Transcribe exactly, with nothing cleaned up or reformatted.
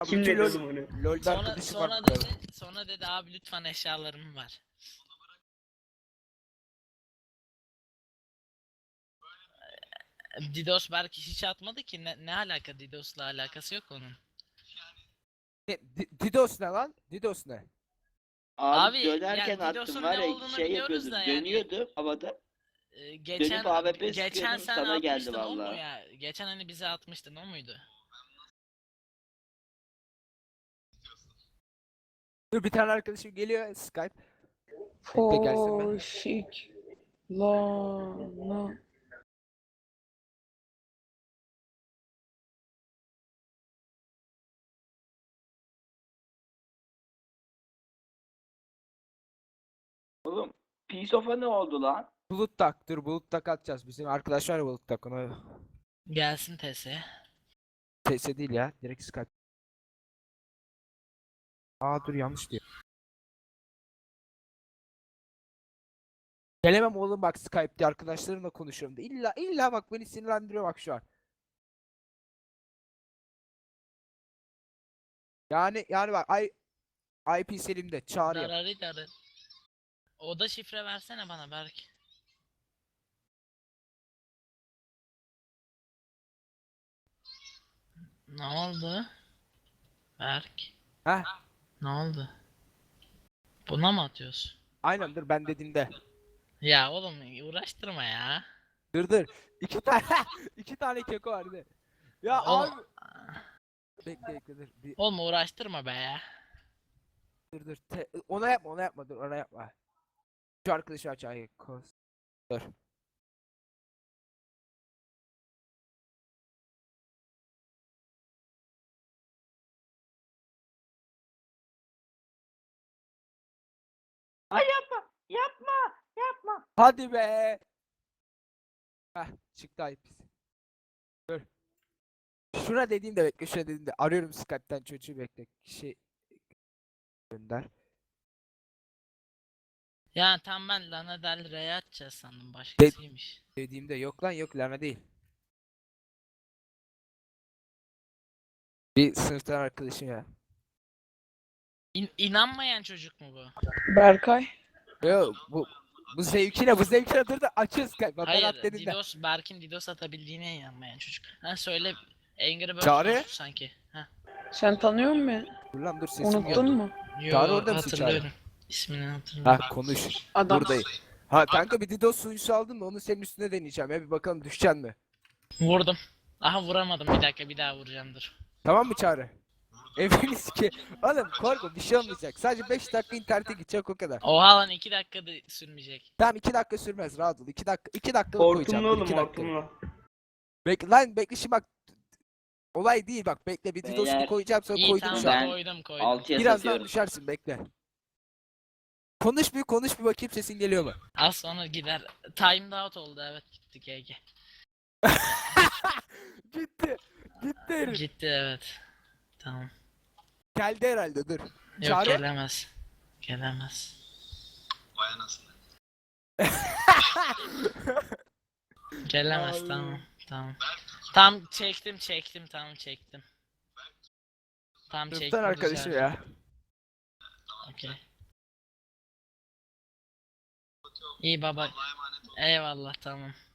Kim Bütün dedi LoL, oğlum onu? LoL'de Sonra, arkadaşım var sonra bu kadar. dedi, sonra dedi abi lütfen eşyalarım var. Didos belki hiç atmadı ki ne, ne alaka Didos'la alakası yok onun. Ne, Di- Didos ne lan? Didos ne? Abi, Abi, dönerken yani attım Didos'un var ne ya olduğunu şey biliyoruz yapıyordu. da yani. Dönüyordu havada. e, geçen A W P geçen sıkıyordum, sen sana geldi atmıştın o mu vallahi. ya? Geçen hani bize atmıştın o muydu? Dur bir tane arkadaşım geliyor Skype. Bekle gelsin ben. Foşik. Lana. Oğlum Piece of'a ne oldu lan? Bulut tak dur bulut tak atacağız. Bizim arkadaş var ya bulut tak ona. Gelsin T S. T S değil ya direkt Skype. Aa dur yanlış diyor. Gelemem oğlum bak Skype'de arkadaşlarımla konuşuyorum da illa illa bak beni sinirlendiriyor bak şu an. Yani yani bak I, I P Selim'de çağırıyor. Dararı darı. Oda şifre versene bana Berk. Ne oldu? Berk. Heh Ne oldu? Buna mı atıyorsun? aynen dur ben dediğimde. Ya oğlum uğraştırma ya. Dur dur. İki tane iki tane keko vardı. Ya Oğlum, abi. Bekle bekle dur. Bir, oğlum uğraştırma be ya. dur dur. Te- ona yapma ona yapma dur ona yapma. Şu arkadaşı aç ay kos. Dur. Ay yapma, yapma, yapma. Hadi be. Heh çıktı I P. Dur. Şuna dediğimde bekle şuna dediğimde arıyorum Skype'ten çocuğu bekle. Şey gönder. Ya tam ben Lana Del Rey'e atacağız sandım De- başkasıymış. Dediğimde yok lan yok Lana değil. Bir sınıftan arkadaşım ya. İn inanmayan çocuk mu bu? Berkay. Yo bu bu zevkine bu zevkine dur da açıyor Skype. Bak ben Hayır, at dediğimde. Didos, Berk'in Didos atabildiğine inanmayan çocuk. Ha söyle, Angry Birds Çağrı? oynuyorsun sanki. Ha. Sen tanıyor musun beni? Dur lan dur sesim Unuttun geldi. mu? Yo, Çağrı orada mısın Çağrı? hatırlıyorum. İsmini hatırlıyorum. Ha konuş. Adam. Buradayım. Ha kanka bir Didos sunucusu aldın mı? Onu senin üstüne deneyeceğim ya bir bakalım düşeceksin mi? Vurdum. Aha vuramadım, bir dakika bir daha vuracağım dur. Tamam mı Çağrı? Eviniz ki. Oğlum korkma bir şey olmayacak. Sadece beş dakika internete gidecek o kadar. Oha lan iki dakikada sürmeyecek. Tamam iki dakika sürmez rahat ol. iki dakika iki dakikalık koyacağım. Hortumlu dur, oğlum iki dakika. hortumlu. Bekle lan bekle şimdi bak. Olay değil bak bekle bir Didos'unu Beyler, koyacağım sonra İyi koydum tamam şu an. Ben koydum koydum. altıya Birazdan satıyorum. düşersin bekle. Konuş bir konuş bir bakayım sesin geliyor mu? Az sonra gider. Timed out oldu, evet gitti G G. Gitti. Gitti herif. Gitti evet. Tamam. Geldi herhalde dur. Yok Çağrı? gelemez. Gelemez. Gelemez Ay. tamam. Tamam. Tam çektim çektim tamam çektim. Tam çektim. Sınıftan arkadaşım güzel. ya. Okey. İyi baba. Eyvallah tamam.